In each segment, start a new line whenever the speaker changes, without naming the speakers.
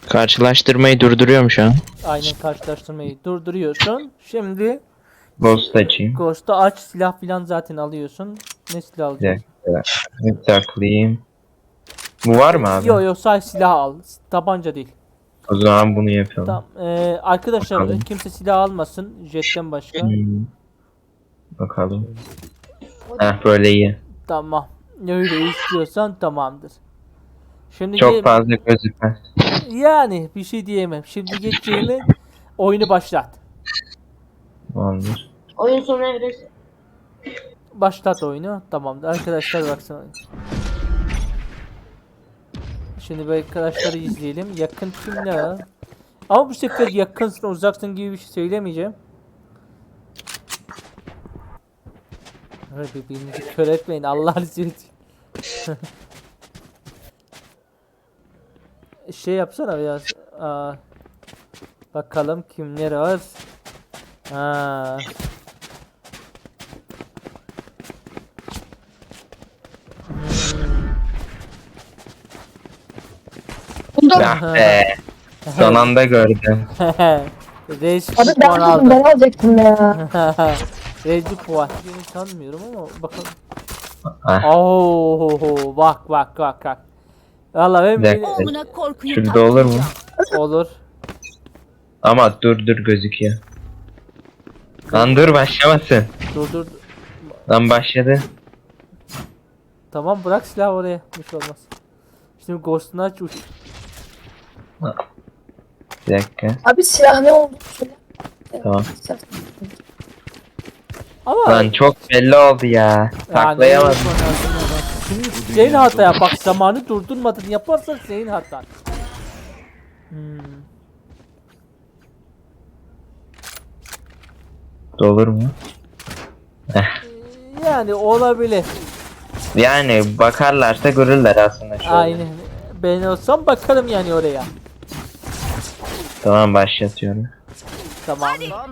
Karşılaştırmayı durduruyorum şu an.
Aynen, karşılaştırmayı durduruyorsun. Şimdi
Ghost açayım.
Ghost'u aç, silah filan zaten alıyorsun. Ne silah
Bir
alacaksın?
dakika. Bir saklayayım. Bu var mı abi?
Yok sadece silah al. Tabanca değil.
O zaman bunu yapalım.
Tamam. Arkadaşlar
Bakalım.
kimse silah almasın. Jet'ten başka.
Bakalım. Heh, böyle iyi.
Tamam. Öyle istiyorsan tamamdır. Şimdi
Çok fazla gözükmez.
yani bir şey diyemem. Şimdi geçeceğimi oyunu başlat.
Olmuş.
Oyun sonu evresi.
Başlat oyunu. Tamamdır. Arkadaşlar baksana. Şimdi bu arkadaşları izleyelim. Yakın kim ne var? Ama bu sefer yakınsın uzaksın gibi bir şey söylemeyeceğim. Birbirinizi kör etmeyin. Allah'ını seversen. Şey yapsana biraz. Bakalım kimler var. Ha.
Ah be. Son anda gördüm.
Reis
Abi
puan aldı.
ben alacaktım ya.
Reis puan. Beni sanmıyorum ama bakalım.
Ah,
Oo, bak. Valla ben
Bir dakika.
Oğluna korkuyu
şurada olur mu?
olur.
Ama dur gözüküyor. Lan dur başlamasın.
Dur.
Lan başladı.
Tamam, bırak silahı oraya. Hiç olmaz. Şimdi Ghost'unu aç uç.
Bir dakika.
Abi silah ne oldu?
Tamam.
Ama
Lan çok belli oldu ya. Saklayamadım.
Şimdi senin hataya bak, zamanı durdurmadın yaparsan senin hatan.
Olur mu?
Yani olabilir.
Yani bakarlarsa görürler aslında şöyle.
Aynen. Ben olsam bakarım yani oraya.
Tamam başlatıyorum.
Tamam.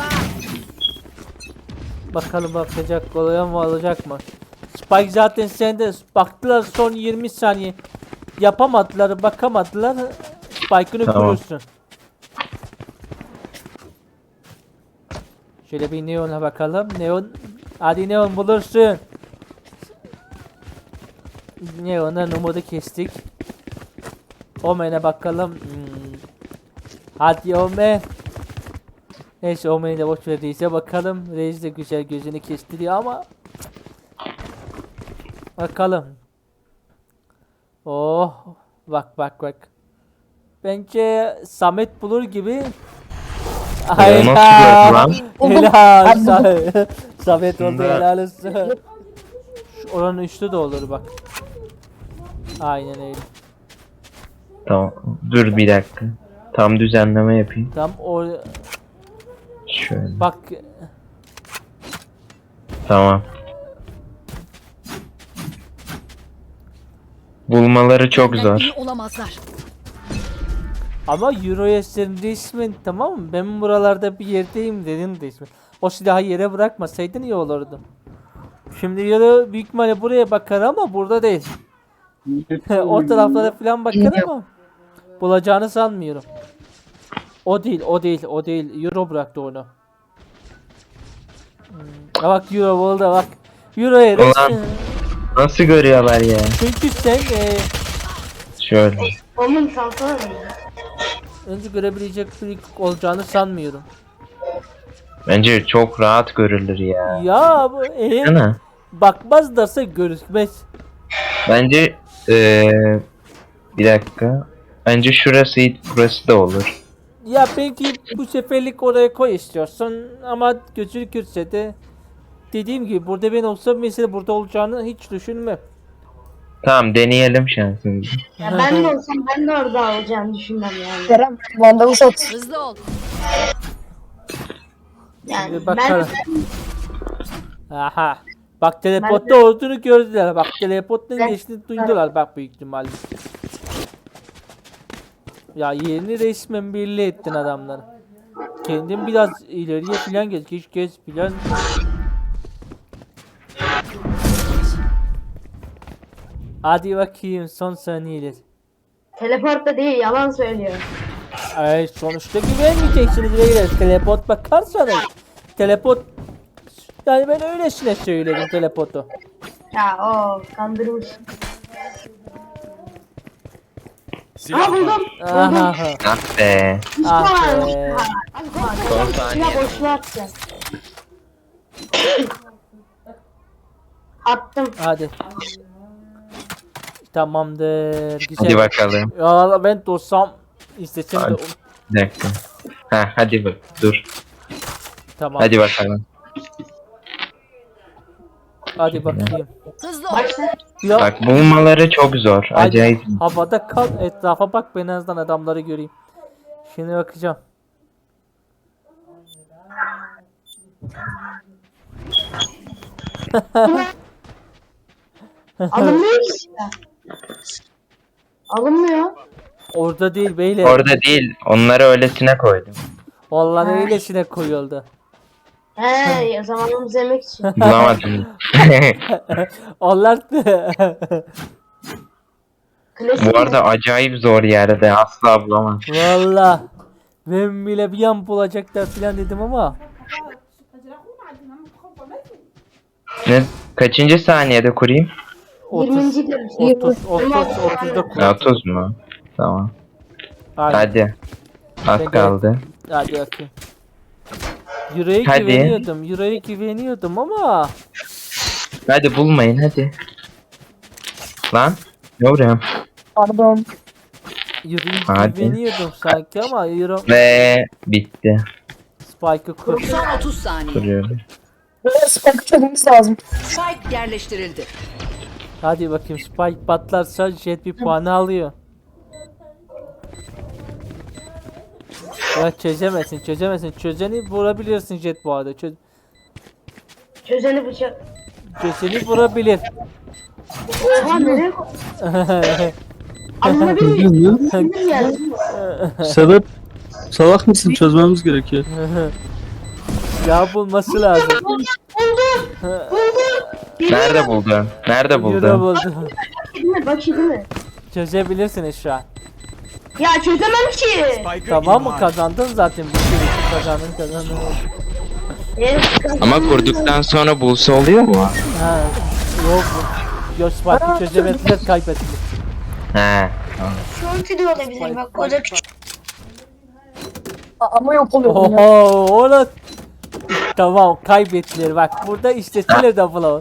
Bakalım bakacak oluyor mu, olacak mı? Spike zaten sende. Baktılar son 20 saniye. Yapamadılar, bakamadılar. Spike'ını
Tamam.
kurursun. Şöyle bir Neon'a bakalım. Neon. Hadi Neon bulursun. Neon'a umudu kestik. Omen'e bakalım. Hadi Omen. Neyse, Omen'i de boş ver, Reis'e bakalım. Reis de güzel gözünü kestiriyor ama. Bakalım. Oh. Bak. Bence Samet bulur gibi. Ay
nasıl gördü lan?
helal. Samet oldu, helal olsun. Şu oranın üstü de olur bak. Aynen öyle.
Tamam. Dur bir dakika. Tam düzenleme yapayım.
Tam o
Şöyle.
bak.
Tamam. Bulmaları çok zor.
iyi olamazlar.
Ama Euro'ya sen resmen, tamam mı? Ben buralarda bir yerdeyim dedin resmen. O silahı yere bırakmasaydın iyi olurdu. Şimdi Euro büyük ihtimalle buraya bakar ama burada değil. O taraflara falan bakar ama bulacağını sanmıyorum. O değil. Euro bıraktı onu. Bak Euro buldu bak. Euro'ya
Ulan.
resmen.
Nasıl görüyorlar ya?
Çünkü sen
Şöyle.
Onun salsana mı?
önce görebilecek bir olacağını sanmıyorum.
Bence çok rahat görülür ya.
Ya bu eğer
Değil mi?
bakmazlarsa görüşmez.
Bence bir dakika. Bence burası da olur.
Ya belki bu seferlik oraya koy istiyorsun ama gözükürse de dediğim gibi burada ben olsam mesela burada olacağını hiç düşünmem.
Tamam deneyelim şansımızı.
Ya ben de olsam ben de orada olacağını düşünmem yani.
Kerem vandalı sat.
Hızlı ol.
Yani
Bir
ben
bakalım. Aha. Bak teleportta olduğunu gördüler. Bak teleporttan geçtiğini duydular bak büyük ihtimalle. Ya yerini resmen belli ettin adamları. Kendin biraz ileriye filan geç filan. Hadi bakayım son saniyeler.
teleportta değil, yalan söylüyor.
Ay sonuçta güvenmeyeceksiniz beyler. Teleport bakarsanız. Teleport yani ben öylesine söyledim teleportu.
Ya o kandırmış.
Silah
Ha buldum.
var.
Aha.
Ah be.
Ah
Üstü
be.
var.
Son saniye.
Silah boşluğa atacağım. Attım.
Hadi. Tamamdır. Güzel.
Hadi bakalım.
Ya ben dostum istesem de
Hadi. Bir dakika. Ha hadi bak dur.
tamam.
Hadi bakalım.
Hadi bakayım.
Başla.
Ya
Bak bulmaları çok zor.
hadi,
Acayip.
havada kal, etrafa bak, ben en azından adamları göreyim. Şimdi bakacağım.
Alınmıyor ki silah. Alınmıyor.
Orada değil beyler.
Orada değil. Onları öylesine koydum.
Vallahi öylesine koyuldu.
He zamanımızı yemek için.
Bulamadım.
Onlar
Klasik
Bu arada acayip zor yerde. Asla bulamam.
Valla ben bile bir an bulacaklar filan dedim ama
Ne? Kaçıncı saniyede kurayım?
30
20. demiş.
30'da
Ya,
kur.
30 mu? Tamam.
Hadi,
Hadi. Az
Ben
kaldı.
hadi bakayım. Euro'ya
Hadi.
güveniyordum. Euro'ya güveniyordum ama
Hadi bulmayın hadi. Lan. Ne vuruyorum?
Pardon.
Euro'ya
Hadi.
güveniyordum sanki ama Euro
Ve bitti.
Spike'ı kur.
Son 30 saniye.
Kuruyorum.
Böyle spike çözmemiz lazım.
Spike yerleştirildi.
Hadi bakayım, Spike patlarsa Jet bir puanı alıyor. Ya çözemezsin. Çözeni vurabilirsin Jet bu arada.
Çözeni bıçak.
Çözeni vurabilir.
Oha nereye koy? Alınabilir mi? Sinir geldi.
Sebep salak mısın? Çözmemiz gerekiyor.
Ya bulması lazım.
Nerede buldun? Nerede
Euro
buldun?
buldu.
Değil mi? Bak değil mi?
Çözebilirsiniz şu an.
Ya çözemem ki.
Spike'ı
Tamam mı,
imha et.
kazandın zaten. Bir kere kazandın.
Ama kurduktan sonra bulsa oluyor mu?
Ha, yok. Yok, Spike'ı çözemediler, kaybettiler.
He.
Şu ulti de olabilir bak o da küçük.
Ama yok oluyor. bu ya.
Oho, onu... Tamam, kaybettiler bak. Burada isteseler de bulalım.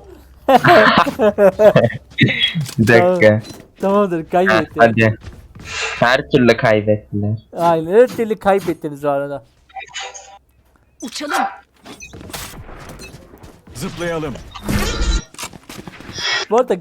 Bir dakika.
Tamamdır,
Ha,
kaybettiler.
hadi. Her türlü kaybettiler.
Aynen, her türlü kaybettiniz o arada.
Uçalım.
Zıplayalım.
Bu arada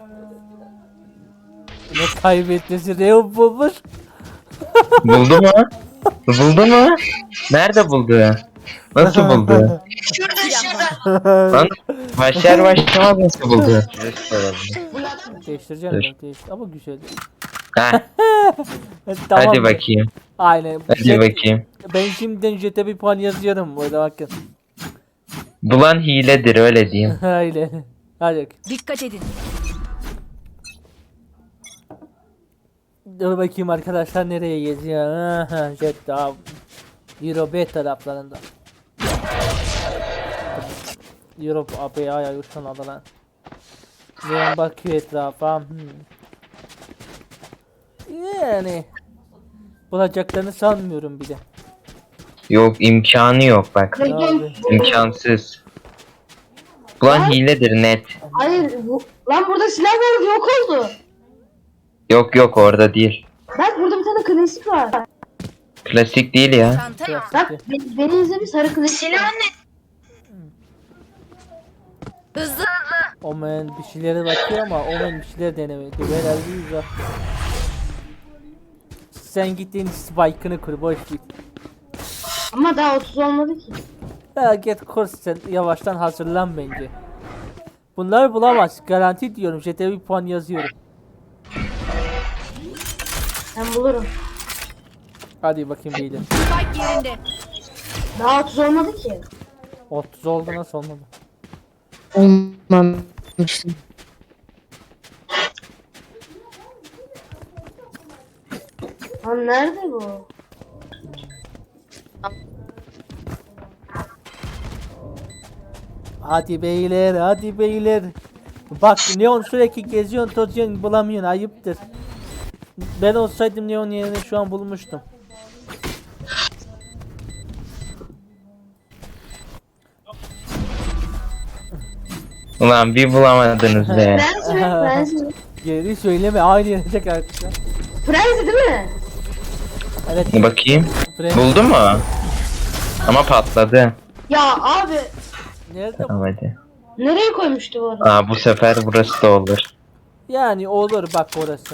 ne kaybettiniz? Reo bulmuş.
Buldu mu? Buldu mu? Nerede buldu? Nasıl buldu? Lan başlar başlamaz nasıl buldu?
Değiştireceğim
Dur.
ben, değiştir. Ama güzel.
Ha,
Tamam.
hadi bakayım.
Aynen.
Hadi bakayım.
Ben şimdiden Jet'e bir puan yazıyorum burada, bakın.
Bulan hiledir öyle diyeyim.
Aynen. Hadi bakayım.
Dikkat edin.
Dur bakayım arkadaşlar, nereye geziyor? Aha, Jet daha Euro B taraflarında. Euro abi ay uçan adı lan. Ben bakıyor etrafa. Yani bulacaklarını sanmıyorum bir de.
Yok imkanı yok bak.
Abi.
İmkansız. Bulan hiledir net.
Hayır bu. Lan burada silah vardı yok oldu.
Yok yok orada değil.
Bak burada bir tane klasik var.
Klasik değil ya.
Çanta yok.
Bak beni izle bir sarı klasik. Silah ne?
Hızlı.
Omen bir şeylere bakıyor ama Omen bir şeyler denemiyor. Herhalde güzel. Sen gittiğin spike'ını kur, boş git.
Ama daha 30 olmadı ki.
Ya git kur, sen yavaştan hazırlan bence. Bunları bulamaz. Garanti diyorum. JT'ye bir puan yazıyorum.
Ben bulurum.
Hadi bakayım beyler.
Spike yerinde.
Daha 30 olmadı ki.
30 oldu, nasıl olmadı?
Olmamıştım.
Lan nerede bu?
Hadi beyler, hadi beyler. Bak Neon sürekli geziyorsun, tozuyorsun, bulamıyorsun, ayıptır. Ben olsaydım Neon yerine şu an bulmuştum.
Ulan bir bulamadınız be.
Frenzy mi? Frenzy mi?
Geri söyleme, aynı yere tekrar.
Frenzy değil mi?
Evet.
Bakayım.
Fren-
Buldu mu? Ama patladı.
Ya abi
Nerede?
Tamam hadi.
nereye koymuştu bu arada?
Aa bu sefer burası da olur.
Yani olur bak orası.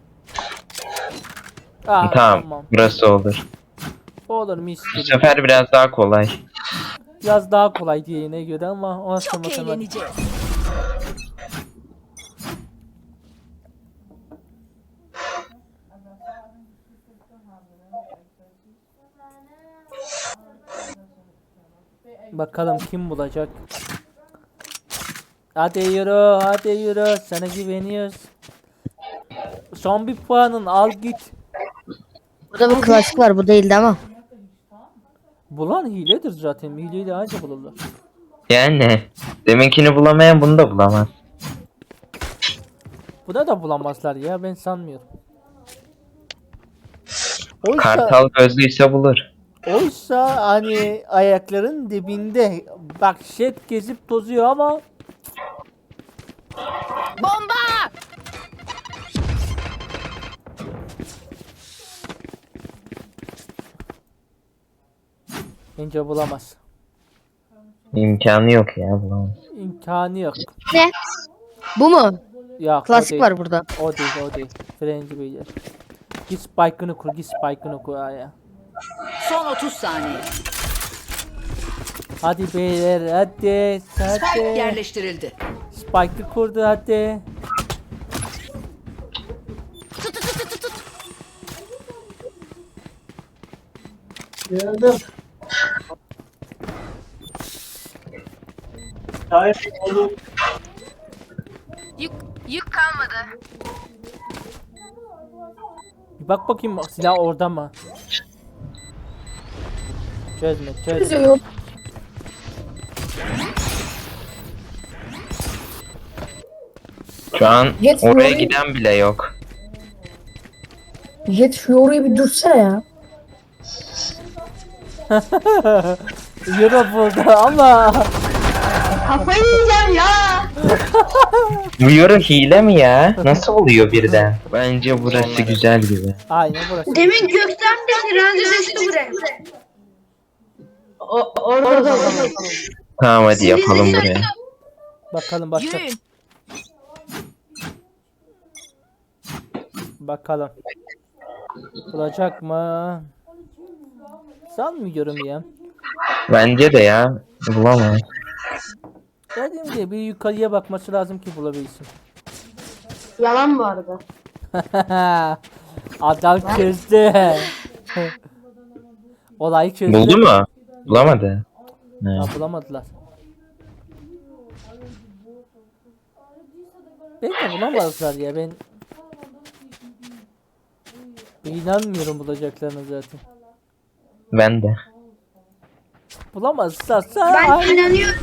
Aa,
Tamam. Burası olur.
Olur mis
Bu
gibi.
sefer biraz daha kolay.
Biraz daha kolay diğerine göre ama o nasıl
Çok
matematik.
eğleneceğiz.
Bakalım kim bulacak. Hadi yürü, hadi yürü. Sana güveniyoruz. Son bir puanın al git.
Burada bir klasik var, bu değildi ama.
Bulan hiledir zaten. Hileyle anca bulurlar.
Yani deminkini bulamayan bunu da bulamaz.
Buna da bulamazlar ya, ben sanmıyorum. Oysa,
Kartal gözlüyse bulur.
oysa hani ayakların dibinde. Bak jet gezip tozuyor ama
Bomba!
bence bulamaz.
İmkanı yok ya bulamaz.
İmkanı yok.
Ne? Bu mu?
Ya
Klasik var burada.
O değil, o değil. Frenci beyler. Git spike'ını kur, git spike'ını kur ya.
Son 30 saniye.
Hadi beyler, hadi,
Spike
hadi.
yerleştirildi.
Spike'ı kurdu hadi.
Gördüm.
Yük kalmadı.
Bir bak bakayım silah orada mı? Çözme, çözme.
Üzüyorum.
Şu an
Jet
oraya
Fury-
giden bile yok.
Jet şu oraya bir dursana ya.
Euro burada ama
Kafayı yiyeceğim ya.
Bu yoru hile mi ya? Nasıl oluyor birden? Bence burası güzel gibi.
aynen burası.
Demin gökten bir frenzy düştü buraya. Orada.
Tamam hadi yapalım buraya.
Bakalım başka.
Yürüyün.
Bakalım. Bulacak mı? Sanmıyorum ya.
Bence de ya. Bulamaz.
Dediğim gibi bir yukarıya bakması lazım ki bulabilsin.
Yalan bu arada.
Adam çözdü. Olayı çözdü.
Buldu mu? Bulamadı. Ne?
Ha, bulamadılar. Belki bulamazlar ya ben. İnanmıyorum bulacaklarına zaten.
Ben de.
Bulamazlarsa
Ben inanıyorum.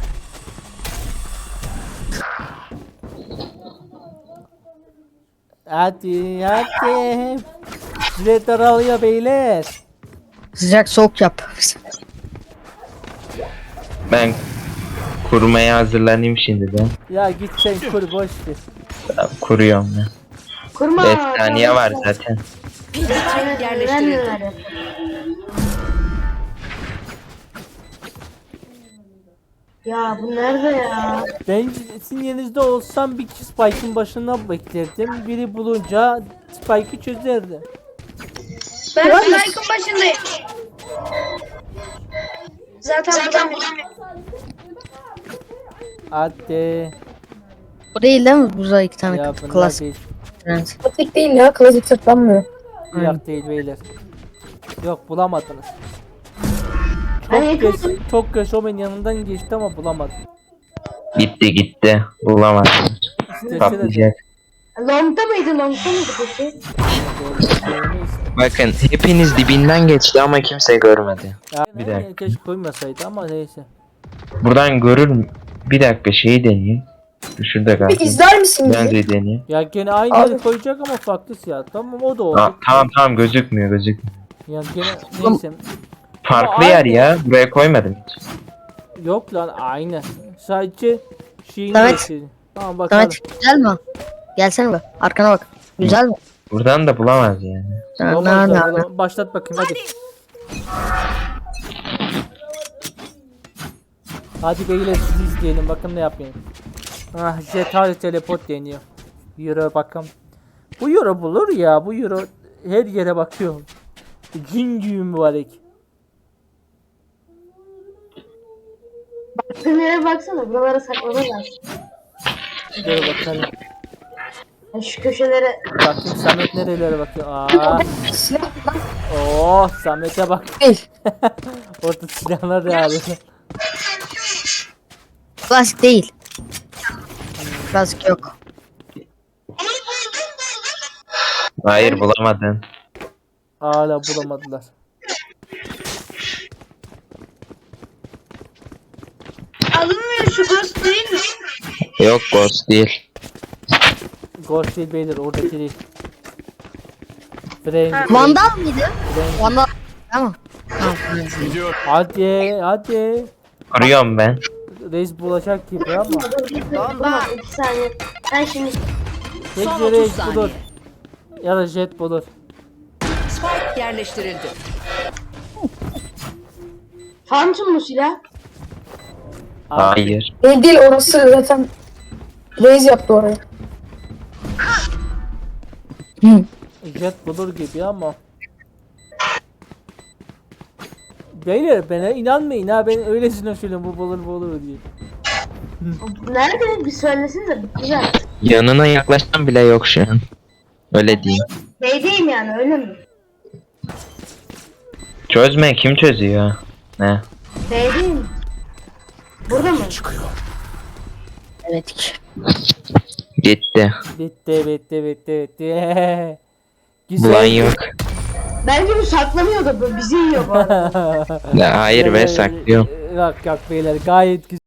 hadi hadi. Süre daralıyor beyler.
Sıcak soğuk yap.
Ben kurmaya hazırlanayım şimdi de.
Ya git sen kur boş ver.
Tamam, kuruyorum ben.
Kurma.
5 saniye var zaten.
Spike yerleştirildi.
Ya bu nerede ya?
Ben sizin yerinizde olsam bir Spike'ın başına beklerdim. Biri bulunca Spike'ı çözerdi.
Ben Spike'ın başındayım. Zaten bulamıyorum.
Hadi.
Bu değil değil mi? Burada iki tane
Ya bunlar
klasik.
değil.
Evet.
Klasik değil ya. Klasik sırtlanmıyor.
Yok değil beyler. Yok bulamadınız.
Hani
Çok geç, çok geç o benim yanından geçti ama bulamadım.
Gitti. Bulamadım.
İstese de
Patlayacak.
Long'da mıydı peki?
Bakın hepiniz dibinden geçti ama kimse görmedi. Bir
Bir
dakika.
keşke koymasaydı ama neyse.
Buradan görür mü? Bir dakika şeyi deneyeyim. Şurada
Bir
kaldı.
izler misin
Ben
bizi?
de deneyeyim.
Ya gene aynı
Abi.
yeri koyacak ama farklı siyah. Tamam o da oldu.
Tamam gözükmüyor.
Ya gene neyse.
Farklı
Ama
yer
aynı.
ya. Buraya koymadım hiç.
Yok lan aynı. Sadece şeyini
Evet.
değiştirdi. Tamam bakalım.
Samet güzel mi? Gelsene be. Arkana bak. Güzel mi?
Buradan da bulamaz yani.
Olmaz da, oğlum. Başlat bakayım hadi. Hadi beyler sizi izleyelim bakın ne yapayım. Ah jet hadi teleport deniyor. Euro bakalım. Bu euro bulur ya bu euro her yere bakıyor. Cin gibi mübarek.
Baktığın yere baksana. Buralara saklaman lazım.
Dur bakalım.
Ya şu köşelere.
Bakayım Samet nerelere bakıyor. Aa.
Silah lan
Oh Samet'e bak.
değil.
Orada silahlar da abi.
Klasik değil. Klasik yok.
Hayır bulamadın.
Hala bulamadılar.
Alınmıyor şu ghost değil mi?
Yok Ghost değil.
Ghost değil beyler oradaki değil. Frank.
Vandal mıydı? Vandal. Tamam. Tamam.
Gidiyor.
Hadi.
Kuruyorum ben.
Reis bulacak gibi ama.
Bomba. 2 saniye. Ben şimdi
Tek
Son
Reis
30
bulur.
saniye.
Ya da jet bulur.
Spike yerleştirildi.
Phantom mu silah?
Hayır.
Değil orası zaten Reis yaptı orayı.
Jet bulur gibi ama. Beyler bana inanmayın ha ben öylesine söylüyorum bu bulur diye.
Nerede? Bir söylesinize. Güzel.
Yanına yaklaşan bile yok şu an. Öyle diyeyim.
Beydeyim yani öyle mi?
Çözme kim çözüyor? Ne?
Beydeyim. Burada mı?
Evet.
Gitti.
Bitti.
Bulan yok.
Bence bu saklanıyor da bu bizi yiyor bu arada.
Hayır be saklıyor.
Yok beyler gayet güzel.